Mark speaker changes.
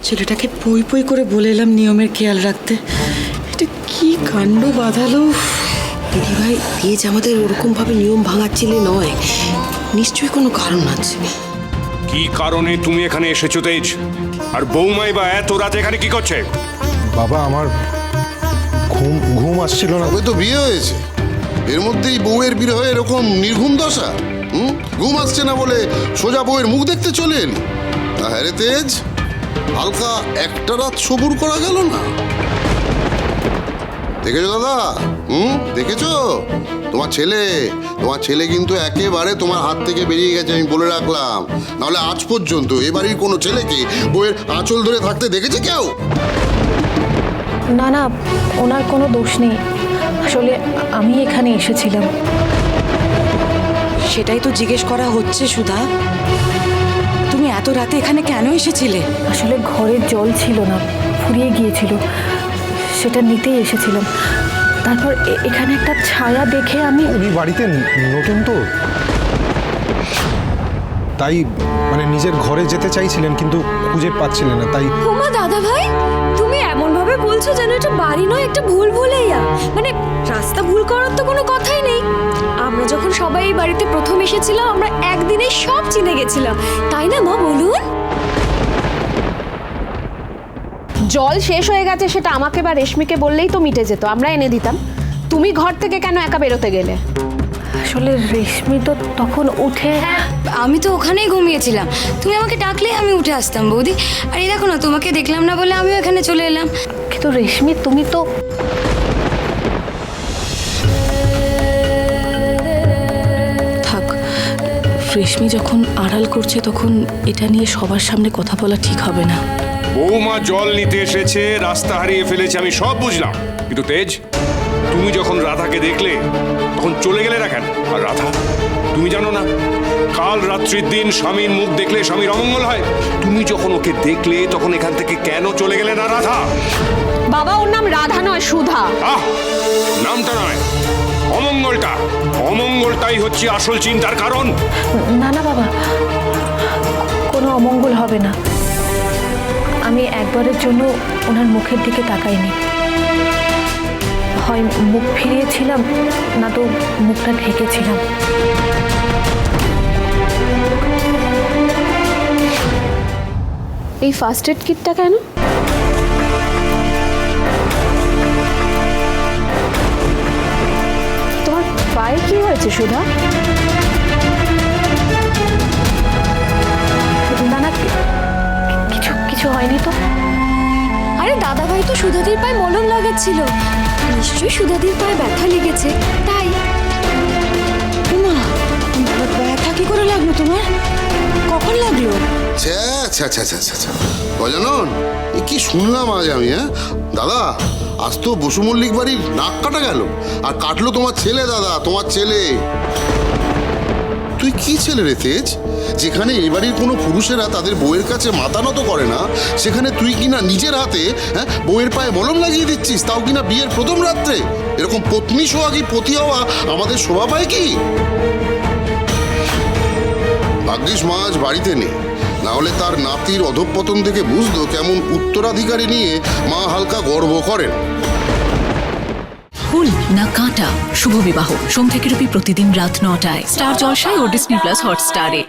Speaker 1: ছেলেটাকে পই পই করে বলে এলাম নিয়মের খেয়াল রাখতে। এটা কি কাণ্ড বাঁধালো।
Speaker 2: দিদিভাই, তেজ আমাদের ওরকম ভাবে নিয়ম ভাঙার ছেলে নয়, নিশ্চয়ই কোনো কারণ আছে।
Speaker 3: কি কারণে তুমি এখানে এসেছো তেজ? আর বৌমাই বা এত রাতে এখানে কি করছে?
Speaker 4: বাবা, আমার ঘুম আসছিল না।
Speaker 5: তবে তো বিয়ে হয়েছে, এর মধ্যেই বউয়ের বিরহে এরকম নির্ঘুম দশা। ঘুম আসছে না বলে সোজা বউয়ের মুখ দেখতে চলে এলি? হ্যাঁ রে তেজ, হালকা একটা রাত সবুর করা গেল না? দেখেছো দাদা? দেখেছো? তোমার ছেলে কিন্তু একেবারে তোমার হাত থেকে বেরিয়ে গেছে, আমি বলে রাখলাম। নাহলে আজ পর্যন্ত এ বাড়ির কোনো ছেলেকে বউয়ের আঁচল ধরে থাকতে দেখেছে কেউ?
Speaker 6: না না, ওনার কোনো দোষ নেই। আসলে আমি এখানে এসেছিলাম।
Speaker 1: সেটাই তো জিজ্ঞেস করা হচ্ছে সুধা, তুমি এত রাতে এখানে কেন এসেছিলে?
Speaker 6: আসলে ঘরের জল ছিল না, ফুরিয়ে গিয়েছিল, সেটা নিতেই এসেছিলাম। তারপর এখানে একটা ছায়া দেখে
Speaker 4: উনি বাড়িতে নতুন তো, তাই মানে নিজের ঘরে যেতে চাইছিলেন কিন্তু খুঁজে পাচ্ছিলেন না, তাই।
Speaker 7: ওমা দাদা ভাই, তুমি এমন ভাবে বলছো যেন এটা বাড়ি নয়, একটা ভুল ভুলেইয়া। মানে রাস্তা ভুল করার তো কোনো কথাই নেই। আমরা যখন সবাই এই বাড়িতে প্রথম এসেছিলাম, আমরা একদিনে সব চিনে গেছিলাম, তাই না মা বলুন?
Speaker 8: জল শেষ হয়ে গেছে সেটা আমাকে বা রেশমিকে বললেই তো মিটে যেত, আমরা এনে দিতাম। তুমি ঘর থেকে কেন একা বেরোতে গেলে?
Speaker 6: আসলে রেশমি তো তখন উঠে।
Speaker 7: আমি তো ওখানেই ঘুমিয়েছিলাম, তুমি আমাকে ডাকলে আমি উঠে আসতাম বৌদি। আর এই দেখো না, তোমাকে দেখলাম না বলে আমিও এখানে চলে এলাম।
Speaker 6: কিন্তু রেশমি, তুমি তো।
Speaker 2: থাক, রেশমি যখন আড়াল করছে তখন এটা নিয়ে সবার সামনে কথা বলা ঠিক হবে না।
Speaker 3: বৌমা জল নিতে এসেছে, রাস্তা হারিয়ে ফেলেছে, আমি সব বুঝলাম। কিন্তু তেজ, তুমি যখন রাধাকে দেখলে তখন চলে গেলে না কেন? আর রাধা, তুমি জানো না কাল রাত্রির দিন স্বামীর মুখ দেখলে স্বামীর অমঙ্গল হয়? তুমি যখন ওকে দেখলে তখন এখান থেকে কেন চলে গেলে না রাধা?
Speaker 8: বাবা, ওর নাম রাধা নয়, সুধা।
Speaker 3: নামটা নয়, অমঙ্গলটাই হচ্ছে আসল চিন্তার কারণ।
Speaker 6: না না বাবা, কোনো অমঙ্গল হবে না। আমি একবারের জন্য ওনার মুখের দিকে তাকাইনি। হয় মুখ ফিরিয়েছিলাম, না তো মুখটা ঢেকেছিলাম।
Speaker 8: এই ফার্স্ট এড কিটটা কেন? তোমার পায়ে কি হয়েছে সুধা?
Speaker 6: না না, কিছু হয়নি তো।
Speaker 7: আরে দাদা ভাই তো সুধাদির পায়ে মলম লাগাচ্ছিল, নিশ্চয়ই সুধাদির পায়ে ব্যথা লেগেছে, তাই।
Speaker 1: মা, ব্যথা কি করে লাগলো তোমার? কখন লাগলো?
Speaker 5: গজানন, এ কি শুনলাম আজ আমি? দাদা, আজ তো বসু মল্লিক বাড়ির নাক কাটা গেল, আর কাটলো তোমার ছেলে। দাদা, তোমার ছেলে। তুই কি ছেলে রে তেজ? যেখানে এই বাড়ির কোনো পুরুষেরা তাদের বউয়ের কাছে মাথা নত করে না, সেখানে তুই কিনা নিজের হাতে বউয়ের পায়ে মলম লাগিয়ে দিচ্ছিস, তাও কিনা বিয়ের প্রথম রাত্রে। এরকম পত্নী সোহাগী পতি হওয়া আমাদের শোভা পায় কি? ভাগ্যিস মা আজ বাড়িতে নেই, না হলে তার নাতির অধঃপতন থেকে বুঝতো কেমন উত্তরাধিকারী নিয়ে মা হালকা গর্ব করেন।
Speaker 9: ফুল না কাঁটা, শুভ বিবাহ, সোম থেকে রবি প্রতিদিন রাত ৯টায় স্টার জলসায় ও ডিজনি প্লাস হটস্টারে।